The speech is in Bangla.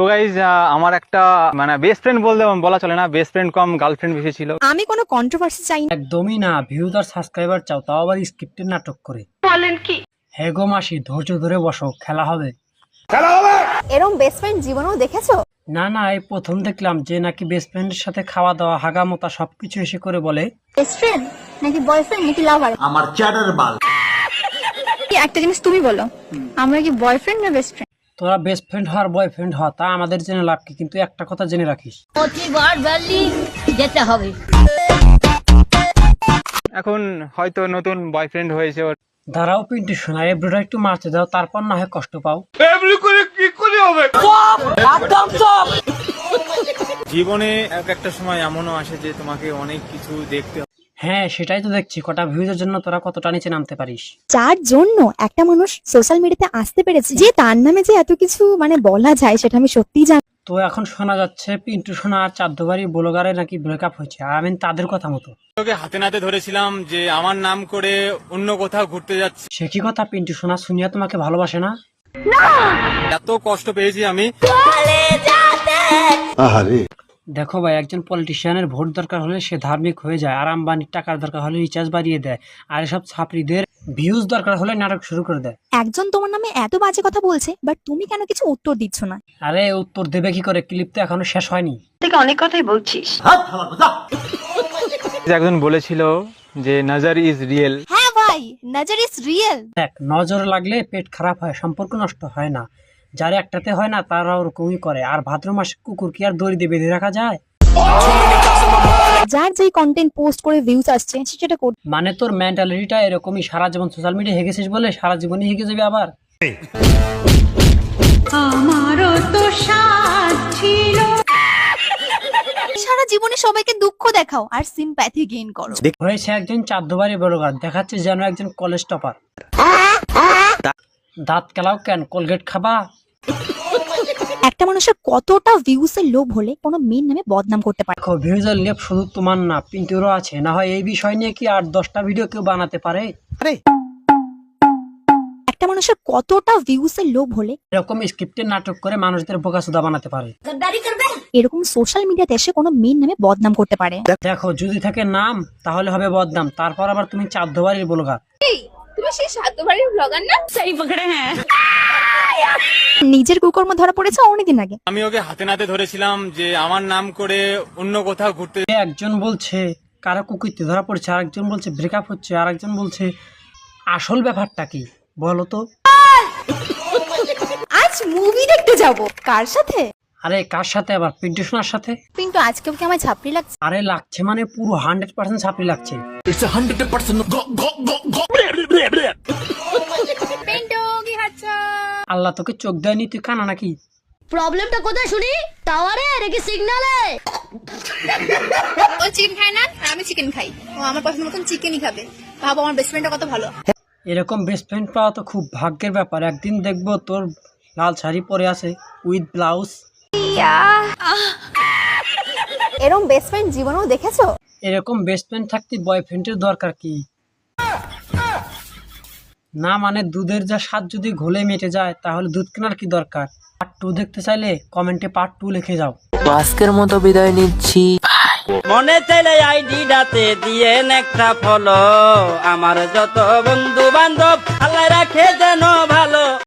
গাইজ আমার একটা মানে বেস্ট ফ্রেন্ড বলা চলে না, বেস্ট ফ্রেন্ড কম গার্লফ্রেন্ড বেশি ছিল। আমি কোনো কন্ট্রোভার্সি চাই না। একদমই না, ভিউজ আর সাবস্ক্রাইবার চাও, তাও আবার স্ক্রিপ্টের নাটক করে। বলেন কি? হে গো মাসি, ধৈর্য ধরে বসো, খেলা হবে। এরকম বেস্ট ফ্রেন্ড জীবনেও দেখেছো? না না, এই প্রথম দেখলাম যে নাকি বেস্ট ফ্রেন্ডের সাথে খাওয়া দাওয়া হাগামোতা সবকিছু এসে করে বলে। বেস্ট ফ্রেন্ড নাকি বয়ফ্রেন্ড নাকি লাভার? আমার চ্যাটার বাল। একটা জিনিস তুমি বলো, আমরা কি বয়ফ্রেন্ড না বেস্ট ফ্রেন্ড? তোরা বেস্ট ফ্রেন্ড হওয়ার বয়ফ্রেন্ড হওয়া তা আমাদের জেনে লাভ কি, কিন্তু একটা কথা জেনে রাখিস, প্রতিবার ভ্যালি যেতে হবে। এখন হয়তো নতুন বয়ফ্রেন্ড হয়েছে ওর। দাঁড়াও পিন্টু শোনা, এব্রোটা একটু মারতে দাও, তারপর না হয় কষ্ট পাও। জীবনে একটা সময় এমনও আসে যে তোমাকে অনেক কিছু দেখতে হবে। হ্যাঁ সেটাই তো দেখছি, কটা ভিউজের জন্য তোরা কতটা নিচে নামতে পারিস। যার জন্য একটা মানুষ সোশ্যাল মিডিয়াতে আসতে পেরেছে, যে তার নামে যে এত কিছু মানে বলা যায় সেটা আমি সত্যিই জানি। তো এখন শোনা যাচ্ছে পিন্টু সোনা আর চাঁদবাড়ি ব্লগারে নাকি ব্রেকআপ হয়েছে, আর আমি তাদের কথা মতো ওকে হাতে নাতে ধরেছিলাম যে আমার নাম করে অন্য কোথাও ঘুরতে যাচ্ছে। সে কি কথা, পিন্টু সোনা শুনিয়া তোমাকে ভালোবাসে না? এত কষ্ট পেয়েছি আমি। দেখো ভাই, একজন পলিটিশিয়ানের ভোট দরকার হলে সে ধার্মিক হয়ে যায়, আর আম্বানির টাকার দরকার হলে রিচার্জ বাড়িয়ে দেয়, আর এসব ছাত্রীদের ভিউজ দরকার হলে নাটক শুরু করে দেয়। একজন তোমার নামে এত বাজে কথা বলছে, বাট তুমি কেন কিছু উত্তর দিচ্ছ না? আরে উত্তর দেবে কি করে, ক্লিপ তো এখনো শেষ হয়নি। অনেক কথাই বলছিস। একজন বলেছিল যে নজর ইজ রিয়েল। হ্যাঁ ভাই, নজর ইজ রিয়েল। দেখ, নজর লাগলে পেট খারাপ হয়, সম্পর্ক নষ্ট হয় না। যারা একটাতে হয় না তারা ওরকমই করে। আর ভাদ্র মাসে কুকুর কি আর দড়ি দিয়ে বেঁধে রাখা যায়? যার যেই কন্টেন্ট পোস্ট করে ভিউজ আসছে সেটা করতে। মানে তোর মেন্টালিটিটা এরকমই, সারা জীবন সোশ্যাল মিডিয়া হেগেছিস বলে সারা জীবনই হেগে যাবে আবার। আমারও তো সাথ ছিল। সারা জীবনে সবাইকে দুঃখ দেখাও আর সিম্প্যাথি গেইন করো। হয়েছে একজন চাঁদবাড়ি ব্লগার, দেখাচ্ছে যেন একজন কলেজ টপার। দাঁত কেলাও কেন, কোলগেট খাবা? একটা মানুষের কতটা ভিউজ এর লোভ হলে কোনো মেয়ের নামে বদনাম করতে পারে? দেখো, ভিউজের লেপ শুধু তোমার না, পিন্টুরও আছে। না হয় এই বিষয় নিয়ে কি 8-10টা ভিডিও কেউ বানাতে পারে? একটা মানুষের কতটা ভিউজ এর লোভ হলে এরকম স্ক্রিপ্টের নাটক করে মানুষদের বোকাচোদা বানাতে পারে? এরকম সোশ্যাল মিডিয়াতে এসে কোনো মেয়ের নামে বদনাম করতে পারে? দেখো, যদি থাকে নাম তাহলে হবে বদনাম, তারপর আবার তুমি চাঁদবাড়ির ব্লগার। তুমি সেই সাতবাড়ির ব্লগার না? সেই পকড়ে হ্যাঁ। নিজের কুকর্ম ধরা পড়েছে অনেকদিন আগে। আমি ওকে হাতে নাতে ধরেছিলাম যে আমার নাম করে অন্য কোথাও ঘুরতে। একজন বলছে কারো কুকুরতে ধরা পড়ছে, আরেকজন বলছে ব্রেকআপ হচ্ছে, আরেকজন বলছে আসল ব্যাপারটা কি বলো তো? আজ মুভি দেখতে যাব। কার সাথে? আরে কার সাথে আবার? পিন্টু সোনার সাথে। কিন্তু আজকে কি আমার ছাপড়ি লাগছে? আরে লাগছে মানে পুরো 100% ছাপড়ি লাগছে। আল্লাহ তোকে চোখ দেয়নি, তুই কানা নাকি? প্রবলেমটা কোথায় শুনি? টাওয়ারে নাকি সিগন্যালে? ও চিকেন খায় না আর আমি চিকেন খাই, ও আমার পছন্দ মতন চিকেনই খাবে। ভাবো আমার বেস্ট ফ্রেন্ডটা কত ভালো। এরকম বেস্ট ফ্রেন্ড পাওয়া তো খুব ভাগ্যের ব্যাপার। একদিন দেখবো তোর লাল শাড়ি পরে আছে উইথ ব্লাউজ। এরকম বেস্ট ফ্রেন্ড জীবনেও দেখেছো? এরকম বেস্ট ফ্রেন্ড থাকতে বয়ফ্রেন্ডের দরকার কি? না মানে দুধের যা স্বাদ যদি ঘোলে মেটে যায় তাহলে দুধ কেনার কি দরকার? পার্ট 2 দেখতে চাইলে কমেন্টে পার্ট 2 লিখে যাও। আজকের মতো বিদায় নিচ্ছি। মনে চাইলে আইডিটাতে দিয়ে একটা ফলো, আমার যত বন্ধু বান্ধব আল্লাহ রাখে যেন ভালো।